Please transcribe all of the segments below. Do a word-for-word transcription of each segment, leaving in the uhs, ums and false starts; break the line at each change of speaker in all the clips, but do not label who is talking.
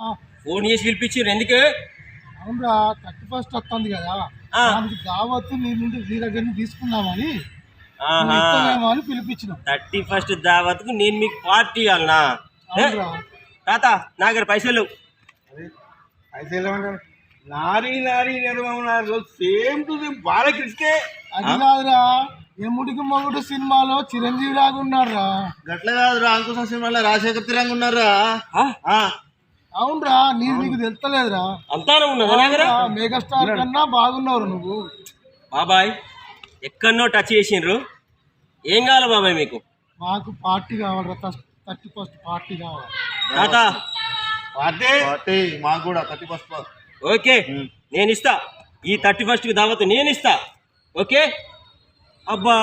Phone చేసి పిలిపించారు ఎందుకు?
అవునరా, థర్టీ ఫస్ట్ వస్తుంది కదా, దానికి దావత్తు నీ నుండి నీ దగ్గర నుంచి తీసుకుందామని ఇస్తానేమో అని పిలిపించిన.
థర్టీ ఫస్ట్ దావత్కు నేను మీకు పార్టీ ఇవ్వాలనా? తాత నా దగ్గర పైసలు
పైసలు నారీ నారీ నిర్మన్నారు సేమ్ టు సేమ్ బాలకృష్ణే.
అది కాదురా, ఎముడికి మొగుడు సినిమాలో చిరంజీవి లాగా ఉన్నారా.
గట్ల కాదురా, అంకుశం సినిమాలో రాజశేఖర్ తిరంగా ఉన్నారా.
అవునరా, నీకు నీకు తెలుస్తలేదురా.
అంతా ఉన్నదా?
మెగాస్టార్ కన్నా బాగున్నావు నువ్వు.
బాబాయ్ ఎక్కడనో టచ్ చేసిండ్రు. ఏం కావాలి బాబాయ్ మీకు?
మాకు పార్టీ కావాలరా, థర్టీ ఫస్ట్ పార్టీ కావాలి.
తాత
పార్టీ మాకు కూడా థర్టీ ఫస్ట్.
ఓకే నేను ఇస్తా, ఈ థర్టీ ఫస్ట్కి దావత్ నేను ఇస్తా. ఓకే. అబ్బా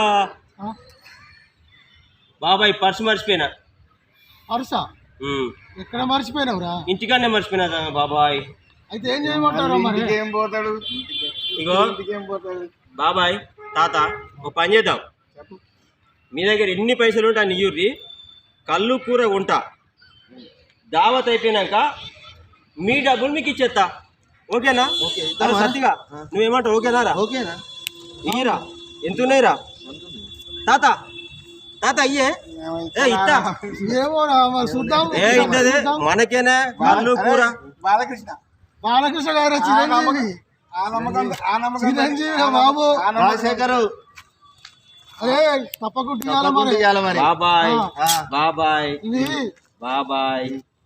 బాబాయ్ పర్సు మర్చిపోయినా.
పర్సా ఎక్కడ మర్చిపోయినావురా?
ఇంటికాడనే మర్చిపోయినా బాబాయ్.
అయితే ఏం చేయమంటారు మరి?
ఏం పోతాడు
ఇగో
ఏం పోతాడు
బాబాయ్. తాత ఒక పని చేద్దాం, మీ దగ్గర ఎన్ని పైసలు ఉంటా నియ్యూరి కళ్ళు కూర ఉంటా. దావత్ అయిపోయినాక మీ డబ్బులు మీకు ఇచ్చేస్తా. ఓకేనా? సత్తిగా నువ్వేమంటావు? ఓకేనా రా?
ఓకేనా?
ఇయ్యరా, ఎంత ఉన్నాయిరా తాత? తాత అయ్యే ఇస్తా. ఏ ఇద్దదే మనకేనా కళ్ళు కూర.
బాలకృష్ణ
బాలకృష్ణ గారు చిరంజీవి చిరంజీవి బాబు
రాజశేఖర్.
అరే తప్పకుండా మరి.
బాబాయ్ బాబాయ్ బాబాయ్.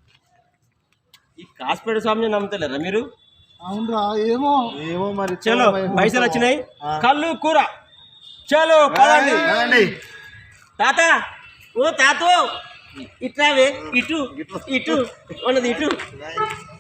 ఈ కాస్పేట స్వామిని నమ్ముతలేరా మీరు?
అవునరా, ఏమో
ఏమో మరి.
చలో పైసలు వచ్చినాయి, కళ్ళు కూర. చలో పదండి. తాత ఓ తాతో ఇట్లావే, ఇటు ఇటు ఉన్నది ఇటు.